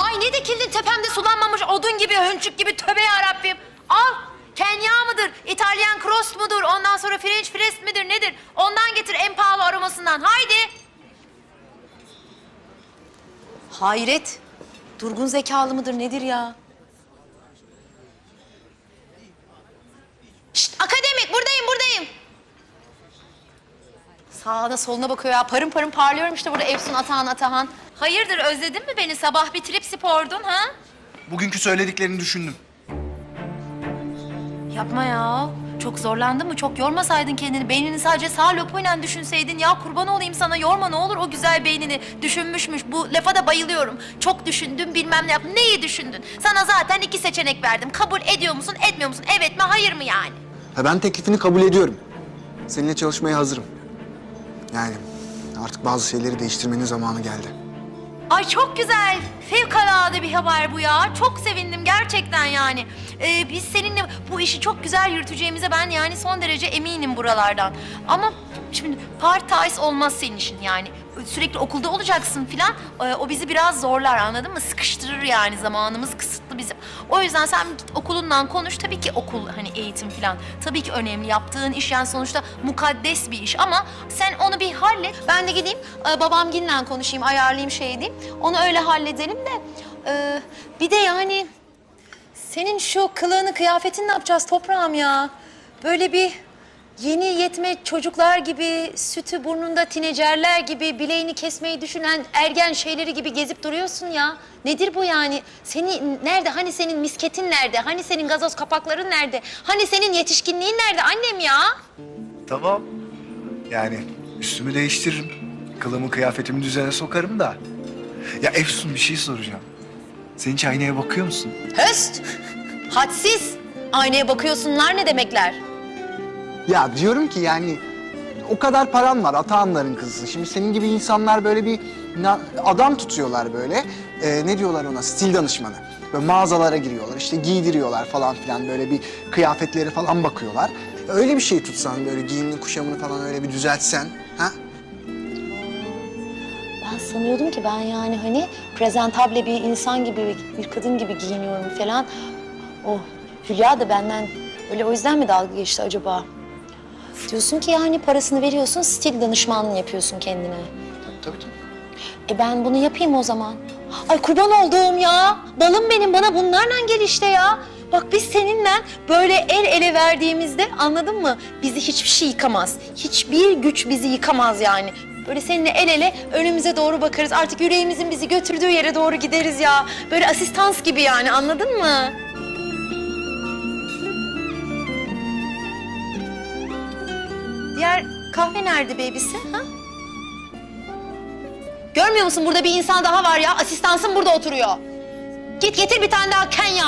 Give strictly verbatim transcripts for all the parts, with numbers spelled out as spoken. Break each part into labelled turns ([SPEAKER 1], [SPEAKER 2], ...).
[SPEAKER 1] Ay ne dikildin tepemde sulanmamış odun gibi, hönçük gibi, tövbe yarabbim. Al, Kenya mıdır, İtalyan cross mudur, ondan sonra French press midir nedir? Ondan getir en pahalı aromasından, haydi. Hayret, durgun zekalı mıdır nedir ya? Şşt, akademik buradayım, buradayım. Sağına soluna bakıyor ya, parım parım parlıyorum işte burada Efsun Atahan Atahan. Hayırdır, özledin mi beni? Sabah bir trip spordun ha?
[SPEAKER 2] Bugünkü söylediklerini düşündüm.
[SPEAKER 1] Yapma ya. Çok zorlandın mı? Çok yormasaydın kendini. Beynini sadece sağ lopuyla düşünseydin. Ya kurban olayım sana, yorma ne olur o güzel beynini. Düşünmüşmüş. Bu lafa da bayılıyorum. Çok düşündüm, bilmem ne yaptım. Neyi düşündün? Sana zaten iki seçenek verdim. Kabul ediyor musun, etmiyor musun? Evet mi, hayır mı yani?
[SPEAKER 2] Ha, ben teklifini kabul ediyorum. Seninle çalışmaya hazırım. Yani artık bazı şeyleri değiştirmenin zamanı geldi.
[SPEAKER 1] Ay çok güzel. Fevkalade bir haber bu ya. Çok sevindim gerçekten yani. Ee, biz seninle bu işi çok güzel yürüteceğimize ben yani son derece eminim buralardan. Ama şimdi part-time olmaz senin işin yani. Sürekli okulda olacaksın filan. Ee, o bizi biraz zorlar, anladın mı? Sıkıştırır yani, zamanımız kısıtlı bizim. O yüzden sen git okulundan konuş. Tabii ki okul, hani eğitim filan. Tabii ki önemli. Yaptığın iş yani sonuçta mukaddes bir iş ama sen onu bir hallet. Ben de gideyim e, babamginle konuşayım, ayarlayayım şey diyeyim. Onu öyle halledelim de. e, bir de yani senin şu kılığını, kıyafetini ne yapacağız toprağım ya? Böyle bir yeni yetme çocuklar gibi, sütü burnunda tinecerler gibi, bileğini kesmeyi düşünen ergen şeyleri gibi gezip duruyorsun ya. Nedir bu yani? Seni nerede? Hani senin misketin nerede? Hani senin gazoz kapakların nerede? Hani senin yetişkinliğin nerede annem ya?
[SPEAKER 2] Tamam. Yani üstümü değiştiririm. Kılımı, kıyafetimi düzene sokarım da. Ya Efsun, bir şey soracağım. Sen hiç aynaya bakıyor musun?
[SPEAKER 1] Höst! Hadsiz! Aynaya bakıyorsunlar ne demekler?
[SPEAKER 2] Ya diyorum ki yani o kadar param var, Atahanların kızı. Şimdi senin gibi insanlar böyle bir na- adam tutuyorlar böyle. Ee, ne diyorlar ona? Stil danışmanı. Böyle mağazalara giriyorlar, işte giydiriyorlar falan filan. Böyle bir kıyafetleri falan bakıyorlar. Öyle bir şey tutsan, böyle giyimini, kuşamını falan öyle bir düzeltsen, ha?
[SPEAKER 1] Ben sanıyordum ki ben yani hani prezentable bir insan gibi, bir kadın gibi giyiniyorum falan. O Hülya da benden öyle o yüzden mi dalga geçti acaba? Diyorsun ki yani parasını veriyorsun, stil danışmanlığı yapıyorsun kendine.
[SPEAKER 2] Tabii tabii.
[SPEAKER 1] E ben bunu yapayım o zaman. Ay kurban olduğum ya. Balım benim, bana bunlarla gel işte ya. Bak biz seninle böyle el ele verdiğimizde, anladın mı? Bizi hiçbir şey yıkamaz. Hiçbir güç bizi yıkamaz yani. Böyle seninle el ele önümüze doğru bakarız. Artık yüreğimizin bizi götürdüğü yere doğru gideriz ya. Böyle asistans gibi yani, anladın mı? Diğer kahve nerede baby'si? Ha? Görmüyor musun, burada bir insan daha var ya. Asistansın burada oturuyor. Git getir bir tane daha Kenya.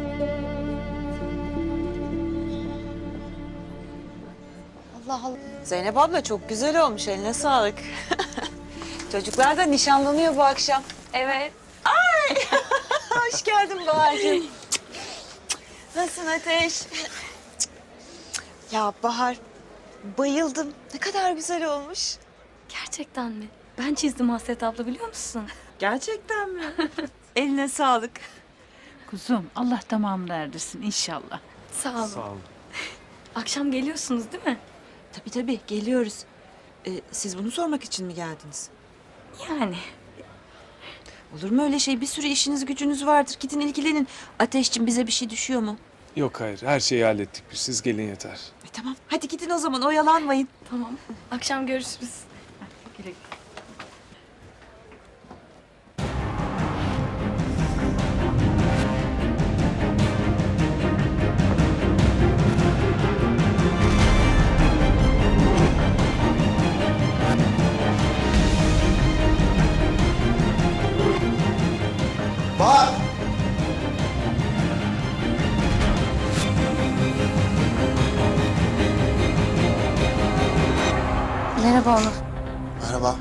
[SPEAKER 1] Allah Allah.
[SPEAKER 3] Zeynep abla çok güzel olmuş, eline sağlık. Çocuklar da nişanlanıyor bu akşam.
[SPEAKER 4] Evet.
[SPEAKER 3] Ay! Hoş geldin Bahar'cığım. Nasılsın Ateş? Ya Bahar, bayıldım. Ne kadar güzel olmuş.
[SPEAKER 4] Gerçekten mi? Ben çizdim Hasret abla, biliyor musun?
[SPEAKER 3] Gerçekten mi? Eline sağlık.
[SPEAKER 5] Kuzum, Allah tamamını erdirsin inşallah.
[SPEAKER 4] Sağ olun. Sağ olun. Akşam geliyorsunuz değil mi?
[SPEAKER 3] Tabii tabii, geliyoruz. Ee, siz bunu sormak için mi geldiniz?
[SPEAKER 4] Yani.
[SPEAKER 3] Olur mu öyle şey? Bir sürü işiniz gücünüz vardır. Gidin ilgilenin. Ateşciğim, bize bir şey düşüyor mu?
[SPEAKER 6] Yok hayır, her şeyi hallettik biz. Siz gelin yeter.
[SPEAKER 3] E, tamam, hadi gidin o zaman, oyalanmayın.
[SPEAKER 4] Tamam. Akşam görüşürüz.
[SPEAKER 5] Güle güle.
[SPEAKER 2] Bahar!
[SPEAKER 4] Merhaba Onur.
[SPEAKER 2] Merhaba.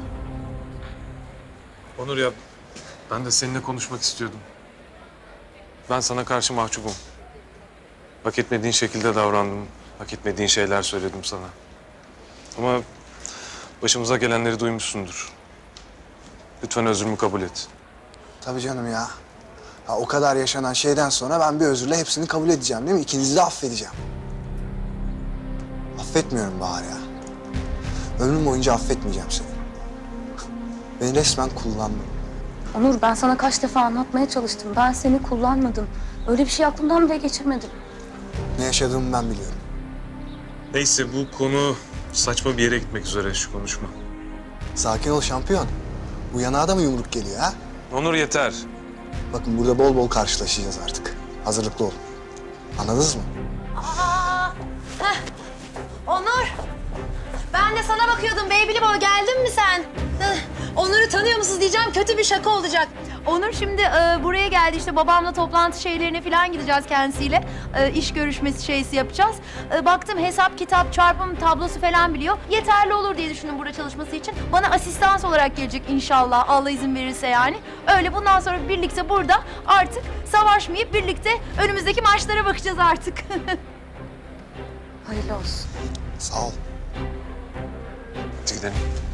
[SPEAKER 6] Onur ya, ben de seninle konuşmak istiyordum. Ben sana karşı mahcubum. Hak etmediğin şekilde davrandım. Hak etmediğin şeyler söyledim sana. Ama başımıza gelenleri duymuşsundur. Lütfen özrümü kabul et.
[SPEAKER 2] Tabii canım ya. Ha, o kadar yaşanan şeyden sonra ben bir özürle hepsini kabul edeceğim değil mi? İkinizi de affedeceğim. Affetmiyorum Bahar ya. Ömrüm boyunca affetmeyeceğim seni. Beni resmen kullandın.
[SPEAKER 4] Onur, ben sana kaç defa anlatmaya çalıştım. Ben seni kullanmadım. Öyle bir şey aklımdan bile geçirmedim.
[SPEAKER 2] Ne yaşadığımı ben biliyorum.
[SPEAKER 6] Neyse bu konu saçma bir yere gitmek üzere şu konuşma.
[SPEAKER 2] Sakin ol şampiyon. Bu yanağa da mı yumruk geliyor ha?
[SPEAKER 6] Onur yeter.
[SPEAKER 2] Bakın burada bol bol karşılaşacağız artık. Hazırlıklı olun. Anladınız mı?
[SPEAKER 1] Aa, heh. Onur. Ben de sana bakıyordum. Baby'li boy geldin mi sen? Heh. Onur'u tanıyor musunuz diyeceğim. Kötü bir şaka olacak. Onur şimdi e, buraya geldi. İşte babamla toplantı şeylerine falan gideceğiz kendisiyle. E, iş görüşmesi şeysi yapacağız. E, baktım hesap, kitap, çarpım tablosu falan biliyor. Yeterli olur diye düşündüm burada çalışması için. Bana asistans olarak gelecek inşallah. Allah izin verirse yani. Öyle bundan sonra birlikte burada artık savaşmayıp birlikte önümüzdeki maçlara bakacağız artık.
[SPEAKER 4] Hayırlı olsun.
[SPEAKER 2] Sağ ol.
[SPEAKER 6] Hadi gidelim.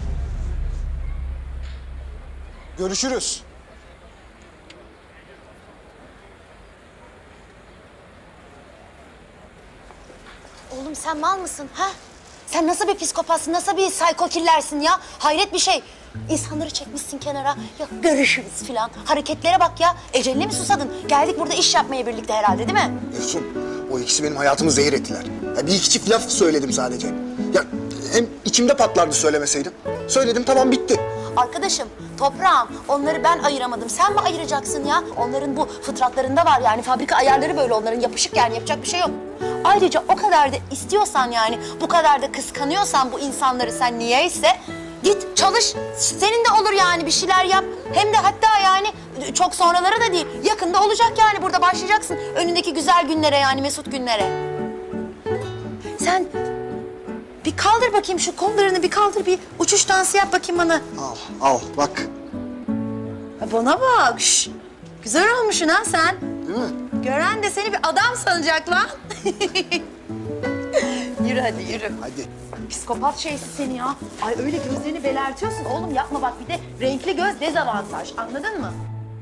[SPEAKER 2] Görüşürüz.
[SPEAKER 1] Oğlum sen mal mısın ha? Sen nasıl bir psikopatsın, nasıl bir psycho-killersin ya? Hayret bir şey. İnsanları çekmişsin kenara. Ya görüşürüz filan. Hareketlere bak ya. Eceline mi susadın? Geldik burada iş yapmaya birlikte herhalde değil mi?
[SPEAKER 2] Efsun, o ikisi benim hayatımı zehir ettiler. Ya bir iki çift laf söyledim sadece. Ya hem içimde patlardı söylemeseydim. Söyledim tamam bitti.
[SPEAKER 1] Arkadaşım, toprağım, onları ben ayıramadım. Sen mi ayıracaksın ya? Onların bu fıtratlarında var yani. Fabrika ayarları böyle onların. Yapışık yani, yapacak bir şey yok. Ayrıca o kadar da istiyorsan yani, bu kadar da kıskanıyorsan bu insanları sen niyeyse... Git çalış, senin de olur yani bir şeyler yap. Hem de hatta yani çok sonraları da değil, yakında olacak yani burada başlayacaksın. Önündeki güzel günlere yani mesut günlere. Sen bir kaldır bakayım şu kollarını, bir kaldır, bir uçuş dansı yap bakayım bana.
[SPEAKER 2] Al, al bak.
[SPEAKER 1] Ha, bana bak, şş. Güzel olmuşsun ha sen.
[SPEAKER 2] Değil mi?
[SPEAKER 1] Gören de seni bir adam sanacak lan. Yürü hadi yürü.
[SPEAKER 2] Hadi.
[SPEAKER 1] Psikopat şeysi seni ya. Ay öyle gözlerini belertiyorsun oğlum, yapma bak, bir de renkli göz dezavantaj, anladın mı?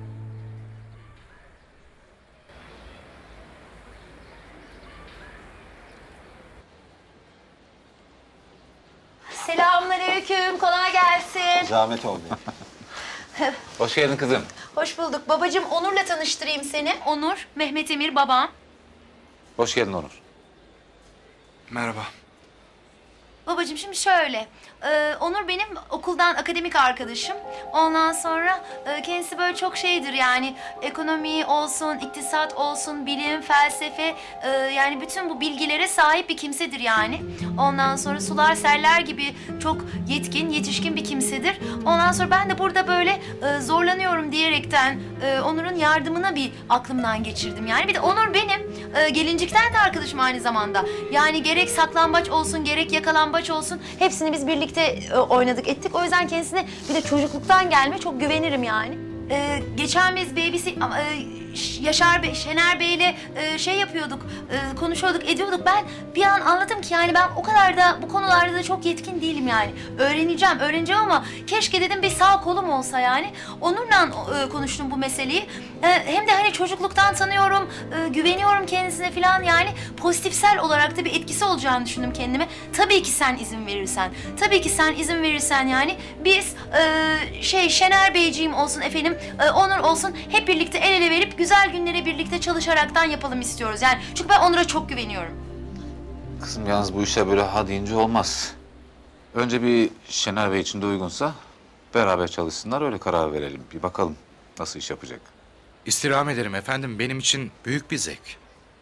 [SPEAKER 1] Selamünaleyküm, kolay gelsin.
[SPEAKER 7] Zahmet oldu. Hoş geldin kızım.
[SPEAKER 1] Hoş bulduk. Babacığım Onur'la tanıştırayım seni. Onur, Mehmet Emir babam.
[SPEAKER 7] Hoş geldin Onur.
[SPEAKER 2] Merhaba.
[SPEAKER 1] Babacığım şimdi şöyle, e, Onur benim okuldan akademik arkadaşım. Ondan sonra e, kendisi böyle çok şeydir yani, ekonomi olsun, iktisat olsun, bilim, felsefe, e, yani bütün bu bilgilere sahip bir kimsedir yani. Ondan sonra sular seller gibi çok yetkin, yetişkin bir kimsedir. Ondan sonra ben de burada böyle e, zorlanıyorum diyerekten e, Onur'un yardımına bir aklımdan geçirdim yani. Bir de Onur benim e, gelincikten de arkadaşım aynı zamanda. Yani gerek saklambaç olsun, gerek yakalambaç olsun, hepsini biz birlikte e, oynadık ettik. O yüzden kendisine bir de çocukluktan gelme çok güvenirim yani. Ee, geçen biz babys'i e, Yaşar Bey, Şener Bey'le e, şey yapıyorduk, e, konuşuyorduk, ediyorduk. Ben bir an anladım ki yani ben o kadar da bu konularda da çok yetkin değilim yani. Öğreneceğim, öğreneceğim ama keşke dedim bir sağ kolum olsa yani. Onur'la e, konuştum bu meseleyi. E, hem de hani çocukluktan tanıyorum, e, güveniyorum kendisine falan yani. Pozitifsel olarak da bir etkisi olacağını düşündüm kendime. Tabii ki sen izin verirsen, tabii ki sen izin verirsen yani biz e, şey Şener Beyciğim olsun efendim, e, Onur olsun, hep birlikte el ele verip güzel günleri birlikte çalışaraktan yapalım istiyoruz yani. Çünkü ben Onur'a çok güveniyorum.
[SPEAKER 7] Kızım yalnız bu işler böyle ha deyince olmaz. Önce bir Şener Bey için de uygunsa beraber çalışsınlar, öyle karar verelim. Bir bakalım nasıl iş yapacak.
[SPEAKER 8] İstirham ederim efendim. Benim için büyük bir zevk.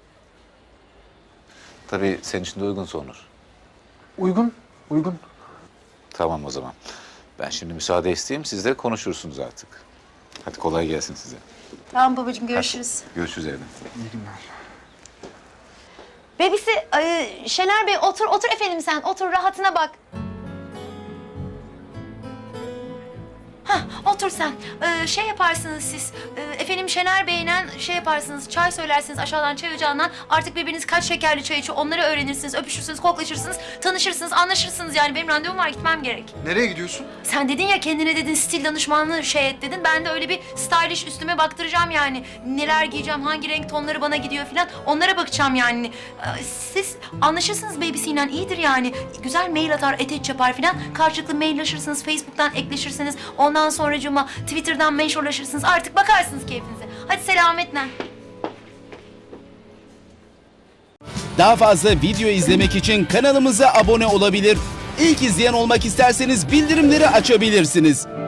[SPEAKER 7] Tabii senin için de uygunsa Onur.
[SPEAKER 2] Uygun, uygun.
[SPEAKER 7] Tamam o zaman. Ben şimdi müsaade isteyeyim, siz de konuşursunuz artık. Hadi kolay gelsin size.
[SPEAKER 1] Tamam babacığım, görüşürüz.
[SPEAKER 7] Görüşürüz evde.
[SPEAKER 1] Bebisi, e, Şener Bey otur, otur efendim sen. Otur, rahatına bak. Hah, otur sen. Ee, şey yaparsınız siz. Ee, efendim Şener Bey'le şey yaparsınız. Çay söylersiniz aşağıdan çay ocağından. Artık birbiriniz kaç şekerli çay içiyor onları öğrenirsiniz. Öpüşürsünüz, koklaşırsınız, tanışırsınız, anlaşırsınız. Yani benim randevum var, gitmem gerek.
[SPEAKER 2] Nereye gidiyorsun?
[SPEAKER 1] Sen dedin ya kendine dedin stil danışmanlığı şey et dedin. Ben de öyle bir stylish üstüme baktıracağım yani. Neler giyeceğim, hangi renk tonları bana gidiyor falan. Onlara bakacağım yani. Ee, Siz anlaşırsınız babysiyle iyidir yani. Güzel mail atar, eteç yapar falan. Karşılıklı mailleşirsiniz, Facebook'tan ekleşirsiniz. Ondan sonracığıma Twitter'dan menşurlaşırsınız. Artık bakarsınız keyfinize. Hadi selametle.
[SPEAKER 9] Daha fazla video izlemek için kanalımıza abone olabilir. İlk izleyen olmak isterseniz bildirimleri açabilirsiniz.